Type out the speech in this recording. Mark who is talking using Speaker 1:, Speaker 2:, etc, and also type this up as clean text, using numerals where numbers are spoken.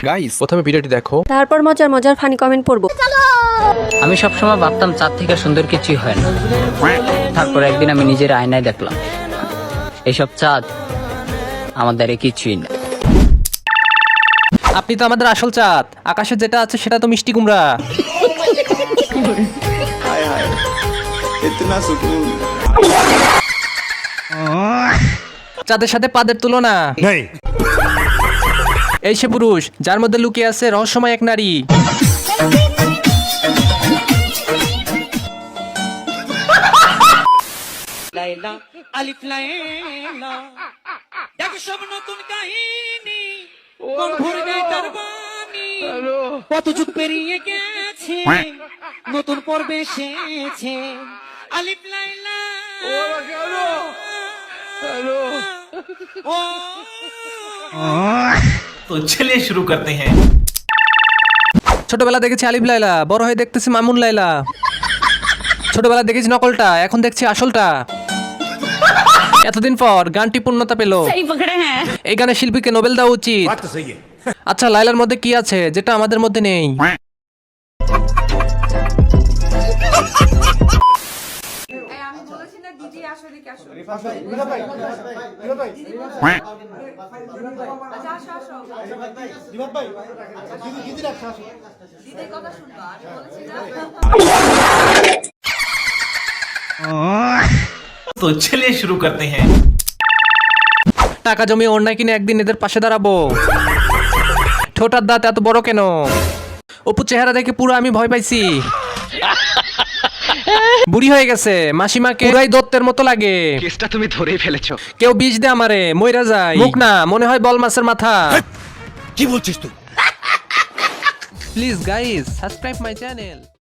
Speaker 1: Guys প্রথমে ভিডিওটি দেখো,
Speaker 2: তারপর মজার মজার ফানি কমেন্ট পড়বো।
Speaker 3: আমি সবসময় ভাবতাম চাঁদ থেকে সুন্দর কিছুই হয় না। তারপর একদিন আমি নিজের আয়নায় দেখলাম এইসব চাঁদ আমাদের কিছুই না।
Speaker 4: আপনি তো আমাদের আসল চাঁদ, আকাশে যেটা আছে সেটা তো মিষ্টি কুমড়া। চাঁদের সাথে পাদের তুলনা। এই সে পুরুষ যার মধ্যে লুকিয়ে আছে রহস্যময় এক নারী।
Speaker 5: লাইলা আলিফ লাইলা দেখ সব নতুন কাহিনী মন ভরে যায় তার বাণী কত যুগ পেরিয়ে গেছে নতুন পর্বে এসেছে আলিফ লাইলা
Speaker 6: तो चलिए शुरू करते हैं।
Speaker 4: ছোটবেলা দেখেছি আলিফ লাইলা, বড় হয়ে দেখতেছি মামুন লাইলা। ছোটবেলা দেখেছি নকলটা, এখন দেখছি আসলটা। এতদিন পর গানটি পূর্ণতা পেল। এই গানের শিল্পীকে নোবেল দেওয়া উচিত। আচ্ছা, লাইলার মধ্যে কি আছে যেটা আমাদের মধ্যে নেই?
Speaker 6: तो चलिए शुरू करते हैं।
Speaker 4: টাকা জমিয়ে অন্যায় কিনে একদিন এদের পাশে দাঁড়াবো। ঠোঁটার দাঁত এত বড় কেন? অপু চেহারা দেখে পুরো আমি ভয় পাইছি। বুড়ি হয়ে গেছে, মাসিমাকে পুরাই দত্তের মতো লাগে।
Speaker 7: কেসটা তুমি ধরেই ফেলেছো।
Speaker 4: কেউ বিষ দে আমারে, মইরা যায়। মুখ না, মনে হয় বল মাছের মাথা।
Speaker 7: কি বলছিস তুই?
Speaker 4: Please guys, subscribe my channel.